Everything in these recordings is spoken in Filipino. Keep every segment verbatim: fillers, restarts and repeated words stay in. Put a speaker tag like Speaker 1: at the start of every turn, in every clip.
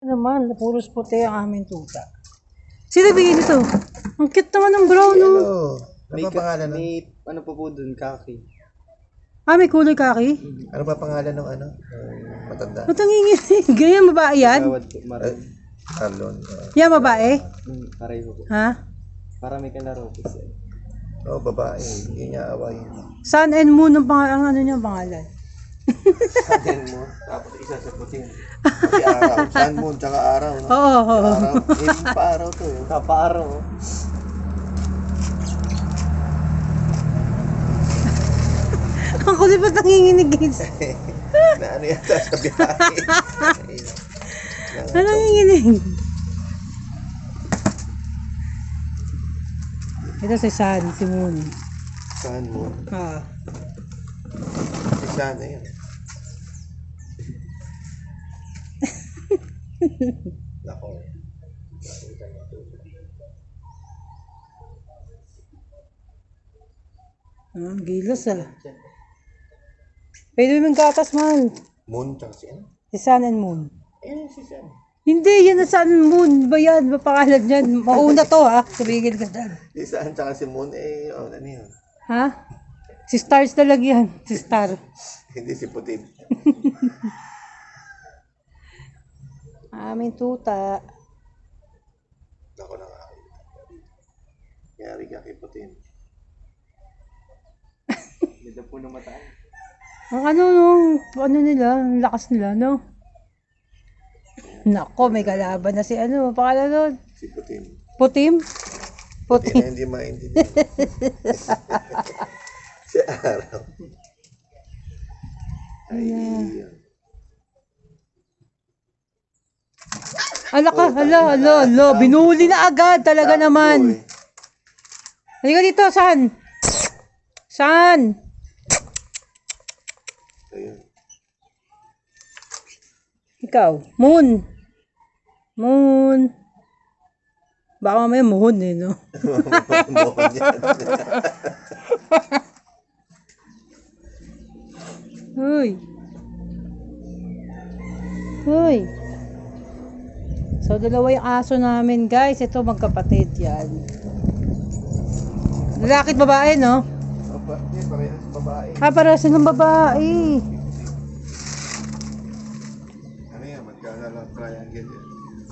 Speaker 1: naman, puros puti ang aming tuta. Sino bigay nito? Ang cute naman ng brown, no?
Speaker 2: Ano ba pangalan nun?
Speaker 3: May ano pa po dun, kaki.
Speaker 1: Ah, may kulay kaki?
Speaker 2: Ano ba pangalan ng ano? Ng matanda?
Speaker 1: Ba't ang ingin? Ganyan, babae yan?
Speaker 3: Gawad po, maray.
Speaker 2: Arlon. Uh,
Speaker 1: Yan, babae?
Speaker 3: Hmm, pareho po.
Speaker 1: Ha?
Speaker 3: Para may kalaro po siya.
Speaker 2: Oo, oh, babae. Hindi niya away.
Speaker 1: Sun and Moon ang pangalan, ang ano niya pangalan?
Speaker 2: Sun mo. Tapos isa sa puting. Kasi araw. Sun moon, tsaka araw. No?
Speaker 1: Oo, oo, oo.
Speaker 2: Araw. Eh, pa-araw to. Eh.
Speaker 3: Kapaaro.
Speaker 1: Ang kulit ba't nanginginig guys?
Speaker 2: Na ano yata sa biyahe.
Speaker 1: Ano nanginginig? Ito si Sun, si Moon.
Speaker 2: Sun moon.
Speaker 1: Ah.
Speaker 2: Si Sun na yun. Nako.
Speaker 1: Ah, ang gilas ah. Pwede mo yung gatas man.
Speaker 2: Moon, tsaka si ano?
Speaker 1: Si Sun and Moon.
Speaker 2: Eh, si Sun.
Speaker 1: Hindi, yan na Sun and Moon. Ba yan? Ba pangalan yan? Mauna to ha. Sabigil ka dyan.
Speaker 2: Si Sun, tsaka si Moon, eh, oh, ano yun?
Speaker 1: Ha? Si Stars talaga yan. Si Star.
Speaker 2: Hindi si Putin.
Speaker 1: Aming tuta.
Speaker 2: Ako na nga. Yari ka kay Putin.
Speaker 3: Ganda po ng mataan.
Speaker 1: Ang ano nung, ano nila, ang lakas nila, no? Nako, may kalaban na si ano, pakala nun.
Speaker 2: Si Putin.
Speaker 1: Putim?
Speaker 2: Putin
Speaker 1: Putim.
Speaker 2: na hindi maintindihan. Si Araw. Ay, yun.
Speaker 1: Ala ka, ala, ala, ala, binuli na agad, talaga
Speaker 2: Takbo,
Speaker 1: naman.
Speaker 2: eh.
Speaker 1: Halika dito, San? San?
Speaker 2: Ayun.
Speaker 1: Ikaw, Moon. Moon. Baka mamaya Moon eh, no?
Speaker 2: Mohon yan.
Speaker 1: Hoy. Hoy. So, dalawa yung aso namin, guys. Ito, magkapatid yan. Lalaki at babae, no?
Speaker 2: Opa, eh, parehas babae.
Speaker 1: Ah, para silang babae.
Speaker 2: Ano yan, magkakalang triangle yan.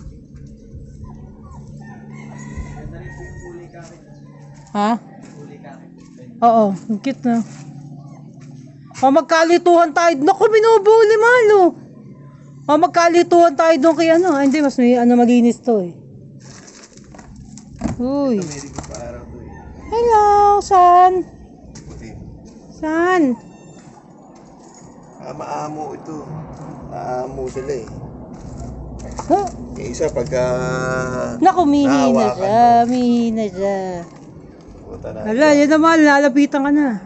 Speaker 3: Ganda rin po yung kulay kaki.
Speaker 1: Ha?
Speaker 3: Kulay kaki.
Speaker 1: Oo, ang cute na. O, magkalituhan tayo. Naku, binubuli, malo. O, magkalituhan tayo doon kay ano. Ah, hindi, mas may ano, malinis to eh. Uy.
Speaker 2: Meron ko pa araw to eh.
Speaker 1: Hello, San?
Speaker 2: Putin.
Speaker 1: San?
Speaker 2: Ah, maamo ito. Maamo sila eh.
Speaker 1: Huh?
Speaker 2: Yung isa pagka...
Speaker 1: Naku, mihina
Speaker 2: nahawakan
Speaker 1: siya.
Speaker 2: mo,
Speaker 1: Mihina siya.
Speaker 2: puta na.
Speaker 1: Hala, yan naman. Lalapitan ka na.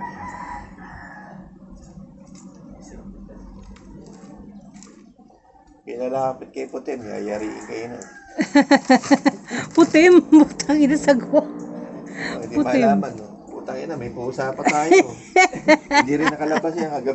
Speaker 2: Pinalapit kay Putin, yayariin kayo na.
Speaker 1: Putim. Butang ina sagwa.
Speaker 2: Oh, hindi
Speaker 1: Putin.
Speaker 2: malaman, no? Putang ina, may pusa pa tayo. Hindi rin nakalabas yan.